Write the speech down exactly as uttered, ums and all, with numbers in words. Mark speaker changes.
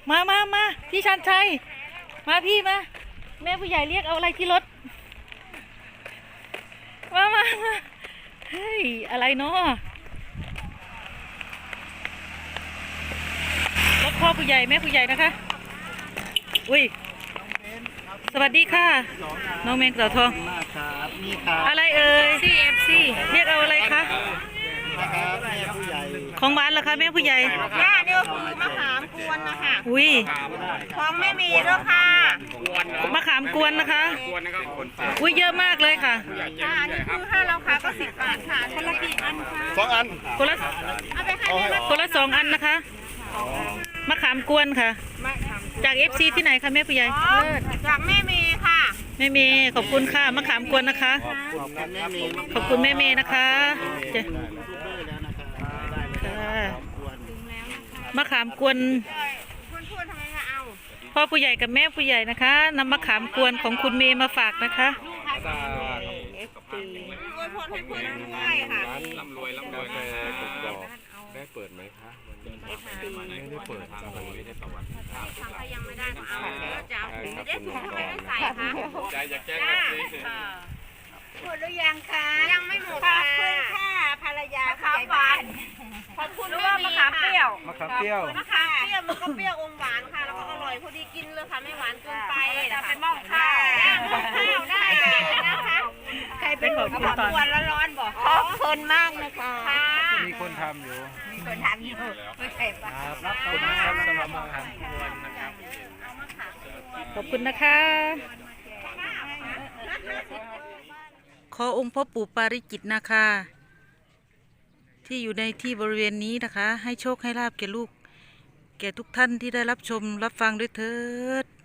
Speaker 1: มามามาพี่ชันชัยมาพี่มาแม่ผู้ใหญ่เรียกเอาอะไรที่รถมามามาเฮ้ยอะไรเนาะรถพ่อผู้ใหญ่แม่ผู้ใหญ่นะคะอุ้ยสวัสดีค่ะน้องแมงเต่าทองอะไรเอ่ย ซี เอฟ ซี เรียกเอาอะไรคะของหวานเหรอคะแม่ผู้ใหญ่
Speaker 2: ย่าเนี่ยคือมะขามกวนนะคะ
Speaker 1: อุ้ย
Speaker 2: ของไม่มีแล้วค่ะ
Speaker 1: มะขามกวนนะคะอุ้ยเยอะมากเลยค่ะ
Speaker 2: ค่ะอันนี้คือถ้าเราขายก็สิบบาทค่ะคนละกี่อันคะ
Speaker 3: สองอัน
Speaker 1: คนละ
Speaker 2: เอาไปให้แม่
Speaker 1: คนละสองอันนะคะมะขามกวนค่ะจาก เอฟ ซี ที่ไหนคะแม่ผู้ใหญ่
Speaker 2: จากแม่เมย์ค่ะ
Speaker 1: แม่เมย์ขอบคุณค่ะมะขามกวนนะคะขอบคุณแม่เมย์นะคะมะขามกวนพ่อผู้ใหญ่กับแม่ผู้ใหญ่นะคะนำมะขามกวนของคุณเมย์มาฝากนะคะ
Speaker 3: ร่ำรวยร่ำรวยได้เปิดไหมคะไม่ได้เปิดทางไม่ได้ประวัติ
Speaker 2: ทางยังไม่ได้เอาจะไม่ได้ถุงทำไมไม่ใส่คะ
Speaker 3: ใจอยากแจ้ง
Speaker 2: หมดหรือยังคะยังไม่หมดค่ะค่ะภรรยาค่ะหวานขอบคุณว่ามะขามเปรี้ยว
Speaker 3: มะขามเปรี้ยว
Speaker 2: มะขามเปรี้ยวมันก็เปรี้ยวอมหวานค่ะแล้วก็อร่อยพอดีกินเลยค่ะไม่หวานเกินไปจะเป็นหม้อข้าวหม้อข้าวได้นะคะใครเป็นคนทำวันละร้อนบอกขอบคุณมากนะคะ
Speaker 3: มีคนทำอยู่
Speaker 2: มีคนทำอยู่ไม่ใช่ปะ
Speaker 3: รับคุณนะครับสำหรับมะขามกวนนะครับ
Speaker 1: ขอบคุณนะคะขอองค์พ่อปู่ปาริจิตนะคะที่อยู่ในที่บริเวณนี้นะคะให้โชคให้ลาภแก่ลูกแก่ทุกท่านที่ได้รับชมรับฟังด้วยเถิด